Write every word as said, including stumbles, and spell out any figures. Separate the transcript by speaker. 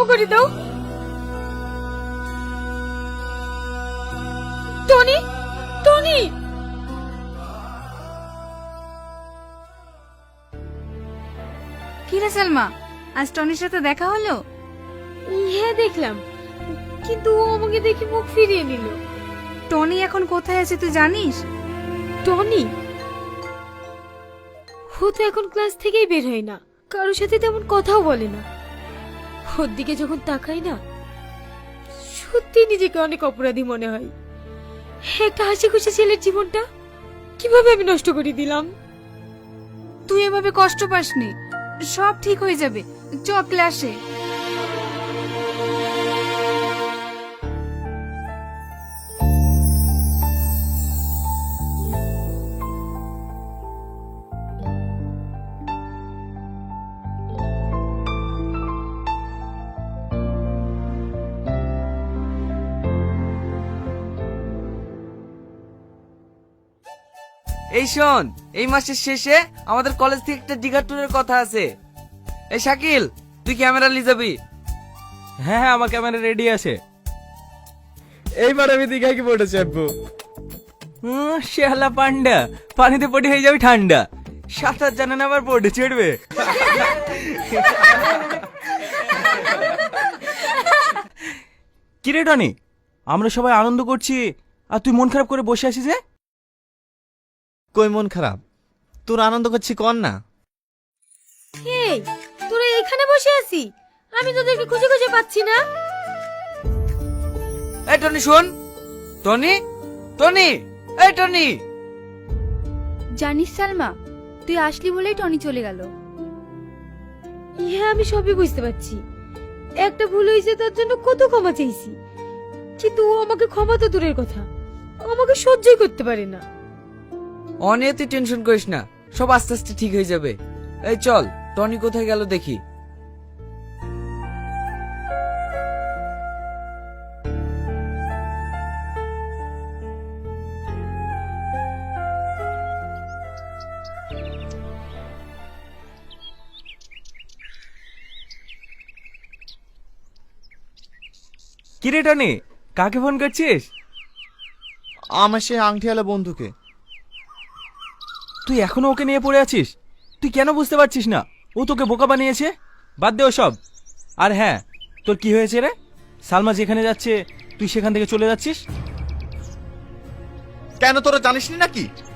Speaker 1: ক্ষমা করে দাও। Tony, Tony.
Speaker 2: কি রে সালমা, আজ টনির সাথে দেখা হলো?
Speaker 1: হ্যাঁ দেখলাম, কিন্তু ও আমাকে দেখে মুখ ফিরিয়ে নিল।
Speaker 2: টনি এখন কোথায় আছে তুই জানিস?
Speaker 1: টনি ও তো এখন ক্লাস থেকেই বের হয় না, কারোর সাথে তেমন কথাও বলে না। ওর দিকে যখন তাকাই না, সত্যি নিজেকে অনেক অপরাধী মনে হয়। একটা হাসি খুশি ছেলের জীবনটা কিভাবে আমি নষ্ট করে দিলাম।
Speaker 2: তুই এভাবে কষ্ট পাসনি, সব ঠিক হয়ে যাবে। চ ক্লাসে।
Speaker 3: এই শোন, এই মাসের শেষে আমাদের কলেজ থেকে একটা দিঘা ট্যুরের কথা আছে। এই শাকিল, তুই ক্যামেরা নিয়ে যাবি?
Speaker 4: হ্যাঁ হ্যাঁ, আমার ক্যামেরা রেডি আছে। এইবার আমি দীঘায় কি পড়ে চাপবো? শেহালা পান্ডা, পানিতে পড়ে হয়ে যাবে ঠান্ডা। সাঁতার জানে না আবার পড়ে চড়বে। কিরে টনি, আমরা সবাই আনন্দ করছি আর তুই মন খারাপ করে বসে আছিস যে?
Speaker 5: কই মন খারাপ? তোর আনন্দ করছি কর না।
Speaker 1: এই তোরা এখানে বসে আছি, আমি তোদেরকে খুঁজে খুঁজে পাচ্ছি না।
Speaker 3: এই টনি শোন, টনি, টনি, এই টনি।
Speaker 2: জানিস সালমা, তুই আসলি বলেই টনি চলে গেল।
Speaker 1: হ্যাঁ আমি সবই বুঝতে পারছি, একটা ভুল হয়েছে তার জন্য কত ক্ষমা চাইছি, কিন্তু ও আমাকে ক্ষমা তো দূরের কথা, আমাকে সহ্যই করতে পারে না।
Speaker 3: অনেক তুই টেনশন করিস না, সব আস্তে আস্তে ঠিক হয়ে যাবে। এই চল, টনি কোথায় গেল দেখি।
Speaker 4: কিরে টনি, কাকে ফোন করছিস?
Speaker 5: আমার সে আংটিওয়ালা বন্ধুকে।
Speaker 4: তুই এখনো ওকে নিয়ে পড়ে আছিস? তুই কেন বুঝতে পারছিস না ও তোকে বোকা বানিয়েছে? বাদ দে ওসব। আর হ্যাঁ, তোর কি হয়েছে রে? সালমা যেখানে যাচ্ছে তুই সেখান থেকে চলে যাচ্ছিস
Speaker 5: কেন তোরা জানিস না নাকি?